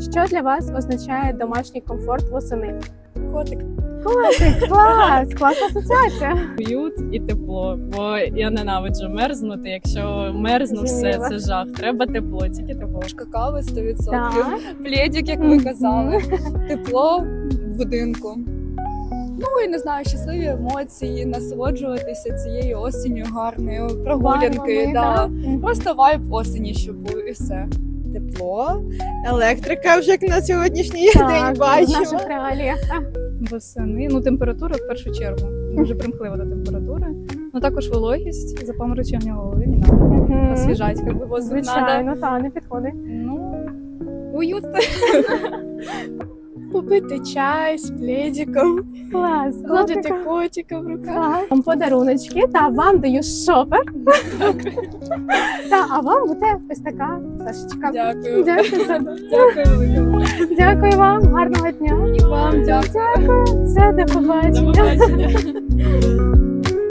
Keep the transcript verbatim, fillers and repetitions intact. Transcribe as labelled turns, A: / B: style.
A: Що для вас означає домашній комфорт восени?
B: Котик.
A: Котик, клас, класна асоціація.
C: Уют і тепло, бо я ненавиджу мерзнути. Якщо мерзну, все
A: Зрозуміла.
C: це жах. Треба тепло, тільки тепло.
B: Какао сто відсотків.
A: Так.
B: Плєдік, як ви казали. Тепло в будинку. Ну і не знаю, щасливі емоції, насолоджуватися цією осінню гарною, прогулянки.
A: Барвами,
B: Да.
A: да. Мгм.
B: Просто вайб осені, щоб був і все.
D: Тепло, електрика вже як на сьогоднішній
A: Так,
D: день
A: в
D: бачимо.
A: наших реаліях. так.
E: Восени, ну температура в першу чергу. Дуже примхлива до температури. Ну також вологість, запаморочення голови не треба.
A: Мгм.
E: Освіжать, як би воздух надо.
A: Звичайно, так, не підходить.
E: Ну, уют.
D: Попити чай з пледиком,
A: Клас,
D: гладити
A: котика.
D: котика в руках.
A: Так. Вам подаруночки, та вам даю шопер. Та, а вам буде ось така Сашечка.
B: Дякую.
A: Дякую, за-
B: Дякую велике.
A: дякую вам, гарного дня.
B: І вам дякую.
A: Дякую, все, до
C: До
A: побачення.
C: побачення.